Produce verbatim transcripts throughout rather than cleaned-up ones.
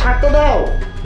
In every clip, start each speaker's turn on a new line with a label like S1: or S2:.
S1: শার্টটা দাও।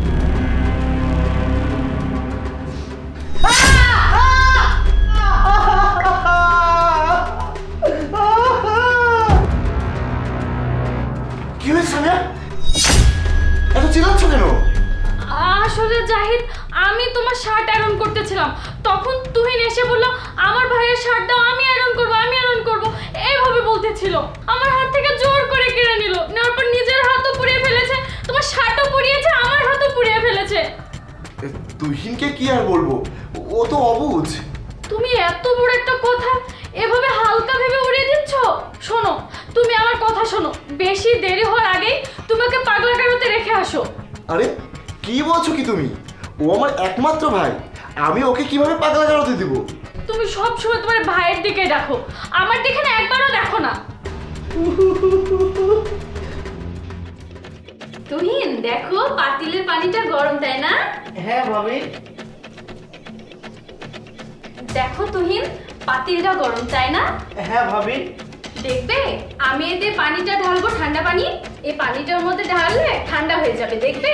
S1: কি হয়েছে সামিয়া? এত চিল্লাচ্ছ কেন?
S2: আসলে জাহিদ, আমি তোমার শার্ট আয়রন করতেছিলাম, তখন তুহিন এসে বলল আমার ভাইয়ের শার্ট দাও, আমি আয়রন করব আমি আয়রন করব এইভাবে বলতেছিল। আমার হাত থেকে জোর করে কেড়ে নিল, নেওয়ার পর নিজের হাতও পুড়িয়ে ফেলেছে, তোমার শার্টও পুড়িয়েছে, আমার হাতও পুড়িয়ে ফেলেছে।
S1: তুহিনকে কি আর বলবো, ও তো অবুঝ।
S2: তুমি এত বড় একটা কথা এভাবে হালকা ভেবে উড়িয়ে দিচ্ছ। শোনো, তুমি আমার কথা শোনো, বেশি দেরি হওয়ার আগেই তোমাকে পাগলা গারোতে রেখে আসো।
S1: আরে কি বলছো কি তুমি? ও আমার একমাত্র ভাই, আমি ওকে কিভাবে পাগলা গারোতে দিব?
S2: তুমি সব সময় তোমার ভাইয়ের দিকে দেখো, আমার দিকে না একবারও দেখো না। তুহিন দেখো, পাতিলের পানিটা গরম, তাই না?
S3: হ্যাঁ ভাবি।
S2: দেখো তুহিন, পাতিলটা গরম, তাই না?
S3: হ্যাঁ ভাবি।
S2: দেখবে, আমি এতে পানিটা ঢালবো, ঠান্ডা পানি, এই পানিটার মধ্যে ঢাললে ঠান্ডা হয়ে যাবে, দেখবে।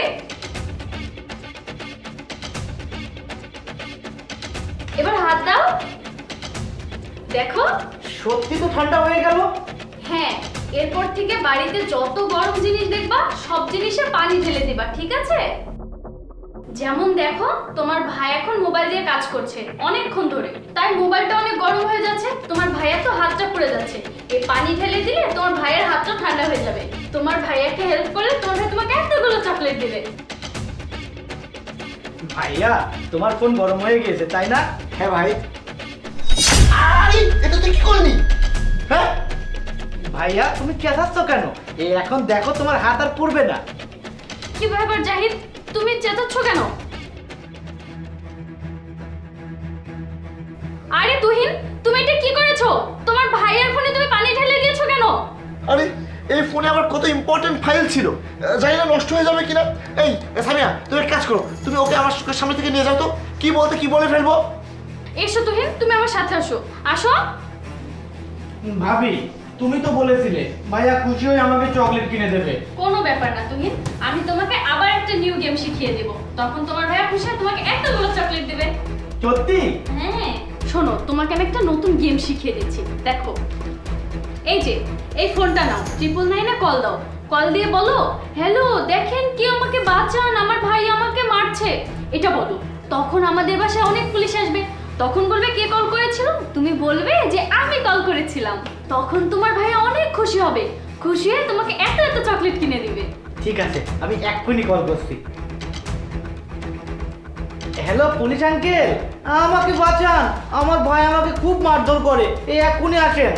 S2: এবার হাত দাও, দেখো।
S3: সত্যি তো ঠান্ডা হয়ে গেল।
S2: হ্যাঁ, এরপর থেকে বাড়িতে যত গরম জিনিস দেখবা সব জিনিসে পানি ঢেলে দিবা, ঠিক আছে? যেমন দেখো, তোমার ভাই এখন মোবাইল দিয়ে কাজ করছে অনেকক্ষণ ধরে, তাই মোবাইলটা অনেক গরম হয়ে যাচ্ছে, তোমার ভাইয়ের তো হাতটা পুড়ে যাচ্ছে। এই পানি ঢেলে দিলে তোমার ভাইয়ের হাতটা ঠান্ডা হয়ে যাবে। তোমার ভাইয়াকে হেল্প করলে তোমার ভাই তোমাকে এতগুলো চকলেট দিবে।
S3: ভাইয়া, তোমার ফোন গরম হয়ে গিয়েছে, তাই না?
S1: হ্যাঁ ভাই। আরে এটা তুই কি করলি? হ্যাঁ
S3: ভাইয়া, তুমি চেঁচাচ্ছ কেন? এই এখন দেখো, তোমার হাত আর পুড়বে না।
S2: কি ব্যাপার জাহিদ, তুমি চেঁচাচ্ছ কেন? আরে তুহিন, তুমি এটা কি করেছো? তোমার ভাইয়ের ফোনে তুমি পানি ঢেলে দিয়েছো কেন?
S1: আরে এই ফোনে আমার কত ইম্পর্টেন্ট ফাইল ছিল, জানি না নষ্ট হয়ে যাবে কিনা। এই সামিয়া, তুমি এক কাজ করো, তুমি ওকে আমার সামনে থেকে নিয়ে যাও তো, কি বলতে কি বলে ফেলবো।
S2: এসো তুহিন, তুমি আমার সাথে আসো, আসো।
S3: ভাবি, তুমি তো বলেছিলে ভাইয়া খুশি হয়ে আমাকে চকলেট কিনে দেবে।
S2: কোনো ব্যাপার না তুহিন, আমি তোমাকে আবার একটা নিউ গেম শিখিয়ে দেব, তখন তোমার ভাইয়া খুশি হয়ে তোমাকে এতগুলো চকলেট দেবে।
S3: সত্যি?
S2: হ্যাঁ, শোনো, তোমাকে আমি একটা নতুন গেম শিখিয়ে দিচ্ছি, দেখো। এই যে, এই ফোনটা নাও, ট্রিপল নাইনে কল দাও, কল দিয়ে বলো হ্যালো, দেখেন কি, আমাকে বাঁচান, আমার ভাই আমাকে মারছে, এটা বলো। তখন আমাদের বাসায় অনেক পুলিশ আসবে, তখন বলবে কে কল করেছিল, তুমি বলবে যে আমি কল করেছিলাম, তখন তোমার ভাই অনেক খুশি হবে, খুশি হয়ে তোমাকে এত এত চকলেট কিনে দিবে।
S3: ঠিক আছে, আমি এক্ষুনি কল করছি। হ্যালো পুলিশ আঙ্কেল, আমাকে বাঁচান, আমার ভাই আমাকে খুব মারধর করে, এই এক্ষুনি আসেন।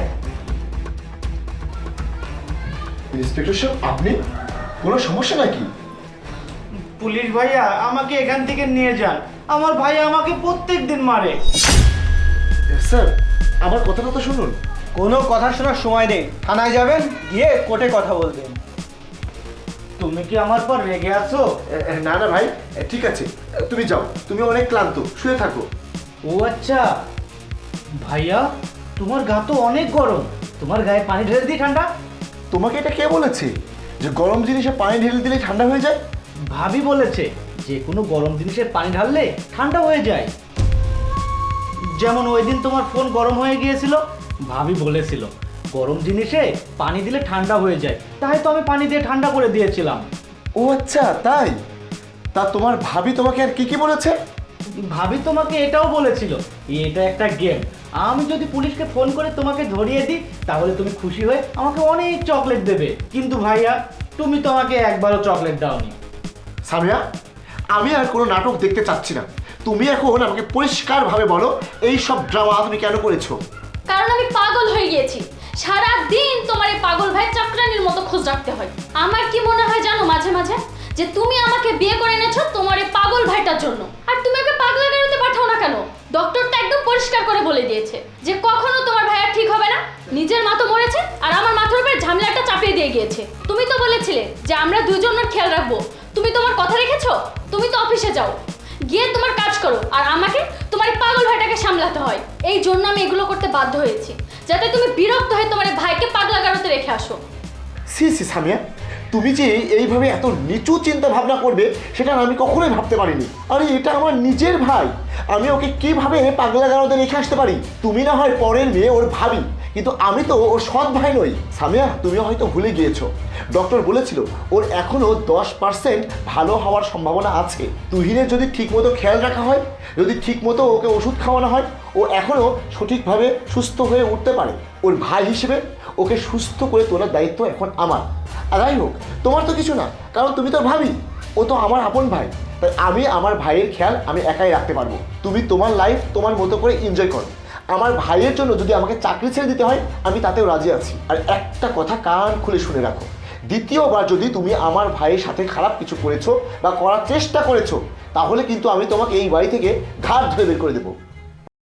S1: ইন্সপেক্টর সাহেব, আপনি কোনো সমস্যা নাকি?
S3: পুলিশ ভাইয়া, আমাকে এখান থেকে নিয়ে যান, আমার ভাই আমাকে প্রত্যেক দিন মারে।
S1: স্যার, আমার কথাটা তো শুনুন।
S4: কোনো কথা শোনার সময় নেই, থানায় যাবেন, গিয়ে কোর্টে কথা বলবেন।
S3: তুমি কি আমার পর রেগে আছো?
S1: না না ভাই, ঠিক আছে, তুমি যাও, তুমি অনেক ক্লান্ত, শুয়ে থাকো।
S3: ও আচ্ছা, ভাইয়া তোমার গা তো অনেক গরম, তোমার গায়ে পানি ঢেলে দিই ঠান্ডা।
S1: তোমাকে এটা কে বলেছে যে গরম জিনিসে পানি ঢেলে দিলে ঠান্ডা হয়ে যায়?
S3: ভাবি বলেছে যে কোনো গরম জিনিসের পানি ঢাললে ঠান্ডা হয়ে যায়। যেমন ওই দিন তোমার ফোন গরম হয়ে গিয়েছিল, ভাবি বলেছিল গরম জিনিসে পানি দিলে ঠান্ডা হয়ে যায়, তাই তো আমি পানি দিয়ে ঠান্ডা করে দিয়েছিলাম।
S1: ও আচ্ছা, তাই? তা তোমার ভাবি তোমাকে আর কি কি বলেছে?
S3: ভাবি তোমাকে এটাও বলেছিল এটা একটা গেম, আমি যদি পুলিশকে ফোন করে তোমাকে ধরিয়ে দিই তাহলে তুমি খুশি হয়ে আমাকে অনেক চকলেট দেবে, কিন্তু ভাইয়া তুমি তো আমাকে একবারও চকলেট দাওনি।
S1: সামিয়া, আমি আর কোনো নাটক দেখতে চাচ্ছি না, তুমি এখন আমাকে পরিষ্কারভাবে বলো এই সব ড্রামা তুমি কেন করেছো?
S2: কারণ আমি পাগল হয়ে গিয়েছি, সারা দিন তোমার এই পাগল ভাই চাকরানির মতো খোঁজ রাখতে হয়। আমার কি মনে হয় জানো মাঝে মাঝে, যে তুমি আমাকে বিয়ে করে এনেছো তোমার এই পাগল ভাইটার জন্য, আর তুমি ওকে পাগলা গারোতে পাঠাও না কেন? ডক্টরটা একদম পরিষ্কার করে বলে দিয়েছে যে কখনো তোমার ভাইয়া ঠিক হবে না, নিজের মা তো মরেছে আর আমার মাথার উপরে ঝামেলাটা চাপিয়ে দিয়ে গিয়েছে। তুমি তো বলেছিলে যে আমরা দুজনের খেয়াল রাখবো, তুমি তোমার কথা রেখেছো? তুমি তো অফিসে যাও, গিয়ে তোমার কাজ করো, আর আমাকে তোমার এই পাগল ভাইটাকে সামলাতে হয়। এই জন্য আমি এগুলো করতে বাধ্য হয়েছি, যাতে তুমি বিরক্ত হয়ে তোমার এই ভাইকে পাগলা গারোতে রেখে আসো।
S1: সি সি সামিয়া, তুমি যে এইভাবে এত নিচু চিন্তা ভাবনা করবে সেটা আমি কখনোই ভাবতে পারিনি। আরে এটা আমার নিজের ভাই, আমি ওকে কিভাবে পাগলা গারদে রেখে আসতে পারি? তুমি না হয় পরের মেয়ে, ওর ভাবি, কিন্তু আমি তো ওর সৎ ভাই নই। সামিয়া, তুমি হয়তো ভুলে গিয়েছো, ডক্টর বলেছিল ওর এখনো দশ পার্সেন্ট ভালো হওয়ার সম্ভাবনা আছে। তুহিনের যদি ঠিকমতো খেয়াল রাখা হয়, যদি ঠিকমতো ওকে ওষুধ খাওয়ানো হয়, ও এখনো সঠিকভাবে সুস্থ হয়ে উঠতে পারে। ওর ভাই হিসেবে ওকে সুস্থ করে তোলার দায়িত্ব এখন আমার। আর যাই হোক, তোমার তো কিছু না, কারণ তুমি তো ভাবি, ও তো আমার আপন ভাই। তাই আমি আমার ভাইয়ের খেয়াল আমি একাই রাখতে পারবো। তুমি তোমার লাইফ তোমার মতো করে এনজয় করো। আমার ভাইয়ের জন্য যদি আমাকে চাকরি ছেড়ে দিতে হয়, আমি তাতেও রাজি আছি। আর একটা কথা কান খুলে শুনে রাখো, দ্বিতীয়বার যদি তুমি আমার ভাইয়ের সাথে খারাপ কিছু করেছো বা করার চেষ্টা করেছো, তাহলে কিন্তু আমি তোমাকে এই বাড়ি থেকে ঘাট ধরে বের করে দেবো।